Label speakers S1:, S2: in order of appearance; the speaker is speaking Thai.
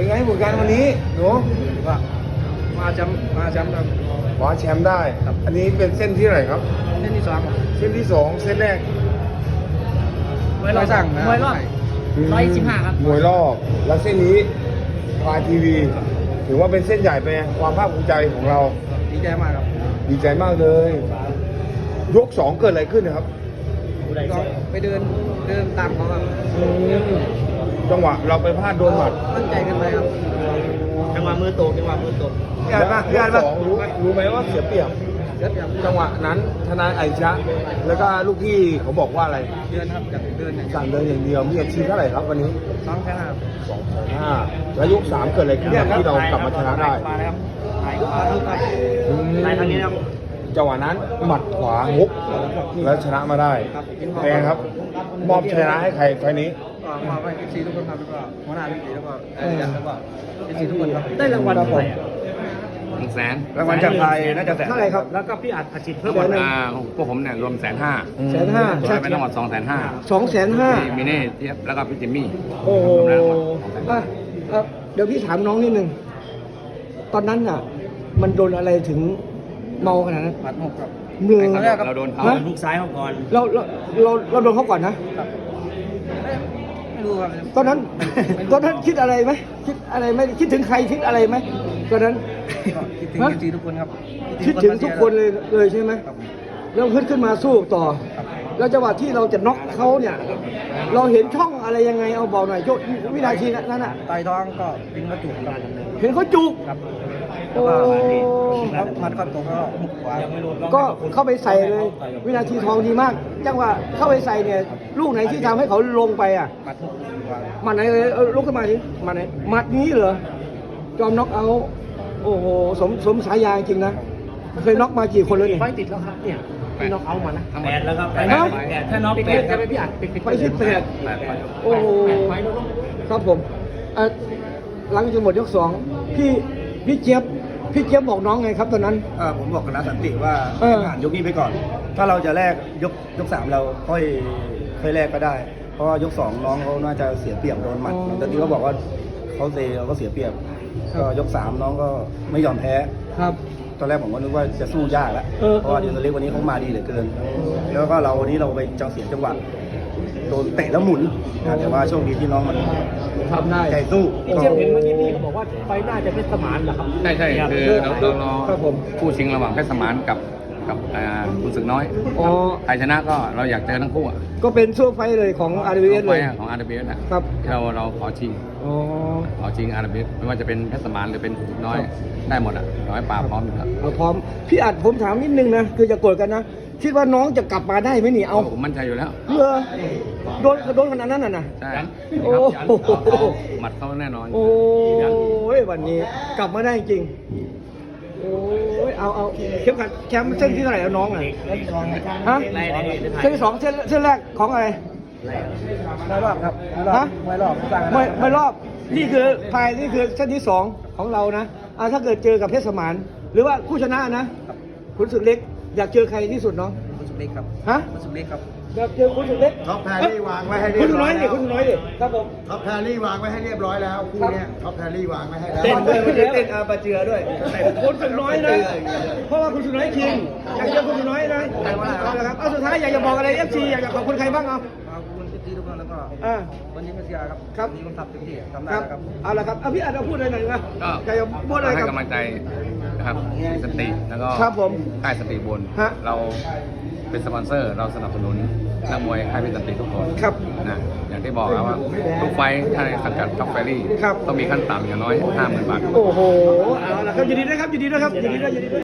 S1: เป็นไงผลงานวันนี้หนู
S2: ว่ามาแชมป์ครับ
S1: คว้าแชมป์ได้ อันนี้เป็นเส้นที่ไหนครับ
S2: เส้นที่2ครับ
S1: เส้นที่สองเส้นแรก
S2: มวยสั่งนะ
S3: มวยรอบ 115ครับ
S1: มวยรอบแล้วเส้นนี้พาทีวีถือว่าเป็นเส้นใหญ่ไปความภาคภูมิใจของเรา
S2: ดีใจมากครับ
S1: ดีใจมากเลย ยกสองเกิดอะไรขึ้นนะครับ
S2: ก็ไปเดินตามเขาครับ
S1: จังหวะเราไปพลาดโดนหมัด
S2: ตั้งใจกันไปครับ
S3: จังหวะมือตก
S1: พี่อ่านสองรู้ไหมว่าเสียเปรียบ
S2: เดี๋ยวอย่าง
S1: จังหวะนั้นทนายไอชะแล้วก็ลูกพี่เขาบอกว่าอะไร
S2: เดินครับจากเดินอย่าง
S1: สั่งเดินอย่างเดียวมีอาชีพเท่าไหร่ครับวันนี้
S2: 2-5
S1: 2-5แล้วยก3เกิดอะไรขึ้นที่เรากลับมาชนะได้
S3: มาแล้วครับมาทุกครับ
S1: อืม
S3: ในทางนี้นะครับ
S1: จังหวะนั้นหมัดขวาฮุกแล้วชนะมาได้แพงครับ มอบชนะให้ใครไฟล์นี้
S2: ก็มาให้FCทุกคนครับแล้วก็หัวหน้าพี่แล้วก็ยันแล้วก็ FC ทุกคนครับ
S3: ได้รางวัลเท่าไหร่
S4: 100,000
S2: รางวัลจากไทยน่าจะแสน
S1: เท่าไหร่ครับ
S3: แล้วก็พี่อัดจิตเพิ่ม
S1: เดี๋ยวนะ
S4: พวกผมเนี่ยรวม150,000
S1: 150,000
S4: รวมเป็นทั้งหมด250,000
S1: 250,000
S4: มีเน่เทียบแล้วก็พี่จิมมี่
S1: โอ้โห
S4: รวมแล้วทั้งหมด250,000
S5: เดี๋ยวพี่ถามน้องนิดนึง ตอนนั้นน่ะ มันโดนอะไรถึงเมาขนาดนั้น
S2: หมัด6ครับ
S5: เมือ
S4: เราโดนเขา
S5: ฮะ
S3: ลูกซ้ายเขาก่อน
S5: เราโดนเขาก่อนนะ
S2: ไม่รู้ครับ
S5: ตอนนั้น คิดอะไรไหมคิดอะไรไหมคิดถึงใครคิดอะไรไหมตอนนั้น
S2: ก็คิดถึง FC ทุกคนครับ
S5: คิดถึงทุกคนเลยใช่ไหม
S2: ครับ
S5: แล้วขึ้นมาสู้ต่อ แล้วจังหวะที่เราจะน็อกเขาเนี่ย เราเห็นช่องอะไรยังไงเอาบอกหน่อยโยวินาทีนั้นน่ะ
S2: ไต่ท้องก็ดึงกระจุกครับ
S5: เห็นเขาจุก
S2: ครับ
S5: โอ้
S2: แล้วก็มันก็ตกแล้วหุกขวา
S5: ก็เข้าไปใส่เลย วินาทีทองดีมาก จังหวะเข้าไปใส่เนี่ย ลูกไหนที่ทำให้เขาลงไปอ่ะ
S2: มัดหุกขวา
S5: หมัดไหนเลยลุกขึ้นมาดิหมัดไหนหมัดนี้เหรอจอมน็อกเอาท์โอ้โหสมสายาจริงนะเคยน็อกมากี่คนเลยเนี่ย
S3: ไฟติดแล้วครับเนี่ยพี่น็อกเอามานะ
S4: ทั้งหมด
S3: 8แล้วครับ
S5: ฮะ
S3: 8ถ้าน็อก8ครับพี่อัดปิด
S5: ไปที่แปด
S4: 8
S5: โอ้โหครับผมหลังจากหมดยกสองพี่เจี๊ยบบอกน้องไงครับตอนนั้น
S6: ผมบอกกับนักสันติว่า
S5: เออ
S6: ให้ผ่านยกนี้ไปก่อน ถ้าเราจะแลกยก3เราค่อยแลกก็ได้ เพราะว่ายก2น้องเขาน่าจะเสียเปรียบโดนหมัดแต่ที่เขาบอกว่าเขาเซเราก็เสียเปรียบ ก็ยก3น้องก็ไม่ยอมแพ้
S5: ครับ
S6: ตอนแรกผมก็นึกว่าจะสู้ยากแล้ว เพราะว่าเดียนเล็กวันนี้เขามาดีเหลือเกิน แล้วก็วันนี้เราไปจังเสียจังหวะโดนเตะแล้วหมุนแต่ว่าโชคดีที่น้องมัน
S5: ทำได้
S6: ใจสู้
S3: พี่เจี๊ยบเห็นเมื่อกี้พี่เขาบอกว่าไฟหน้าจะเป็นสมานเหรอครับ
S4: ใช่คือเรา
S5: ครับผม
S4: คู่ชิงระหว่างเพชรสมานกับคุณศึกน้อย
S5: อ๋อ
S4: ใครชนะก็เราอยากเจอทั้งคู่อะ
S5: ก็เป็นช่วงไฟท์เลยของ RWS เลย
S4: ของ RWS นะครับ เราขอชิง
S5: อ๋อ
S4: ขอชิง RWS ไม่ว่าจะเป็นเพชรสมานหรือเป็นศึกน้อยได้หมดอ่ะขอให้ป่าพร้อมอยู่ครับ
S5: เอาพร้อม พี่อัดผมถามนิดนึงนะ คือจะโกรธกันนะ คิดว่าน้องจะกลับมาได้ไหมนี่เอา
S4: ผมมั่นใจอยู่แล้ว
S5: โดนขนาดนั้นน่ะนะ
S4: ใช่
S5: โอ้โห
S4: หมัดเขาแน่นอน
S5: โอ้ยวันนี้กลับมาได้จริง โอ้ยเอาเข้มขัดแชมป์เส้นที่เท่าไหร่แล้วน้องอ่ะฮะเส้นที่สองเส้นแรกของอะไร
S2: ไม่รอบครับ
S5: ฮะ
S2: ไม่รอบสร้าง
S5: ไม่รอบนี่คือนี่คือเส้นที่สองของเรานะถ้าเกิดเจอกับเพชรสมานหรือว่าผู้ชนะนะคุณสุดเล็กอยากเจอใครที่สุดน้อง
S2: คุณสุเล็กครับ
S5: ฮะ
S2: คุณสุเล็กครับ
S5: อยากเจอคุณสุดเล็ก
S6: ท็อปแพรรี่วางไว้ให้เรี
S5: คุ
S6: ย
S5: ณ
S6: บ
S5: สุ
S6: ร้
S5: น้
S6: อ
S5: อย ยดิคุณสุน้อยดิครับผม
S6: ท็อปแพรรี่วางไว้ให้เรียบร้อยแล้วคู่เนี้ยท็อปแพรรี่วางไว้ให้แล้ว
S5: เต้นด้วย
S6: เต้นอาปาเจือด้วย
S5: คุณสุน้อยนะเพราะว่าคุณสุน้อยคิงอยากเจอคุณสุน้อยนะเอาละครับเอาสุดท้ายอยากจะบอกอะไร FC อยากจะขอบคุณใครบ้างเอา
S2: ขอบคุณที่ทุกคนแล้วก็
S5: อ่า
S2: วันนี้มาเชียร์ครับ
S5: ครับ
S2: วันนี้ผมทำเต็มที่ทำได้
S5: ครับ
S2: ครับ
S5: เอาละครับเอาพี่อัดเอาพูดอะไรหน่อยนะ
S4: ก็
S5: อยากจะพูดอะไร
S4: ให้
S5: กับ
S4: กำลังใจนะครับสติแล้วก็
S5: ครับผม
S4: ค่ายสติบน
S5: ฮะ
S4: เราเป็นสปอนเซอร์เราสนับสนุนนักมวยค่ายเป็นสติทุกคน
S5: ครับ
S4: นะอย่างที่บอกครับว่าทุกไฟท์ถ้าในสังกัดท็อปแฟรี่
S5: ครับ
S4: ต้องมีขั้นต่ำอย่างน้อย 50,000 บาท
S5: โอ้โห เอาละครับยินดีด้วยครับยินดีด้วยครับยินดีด้วยยินดีด้วย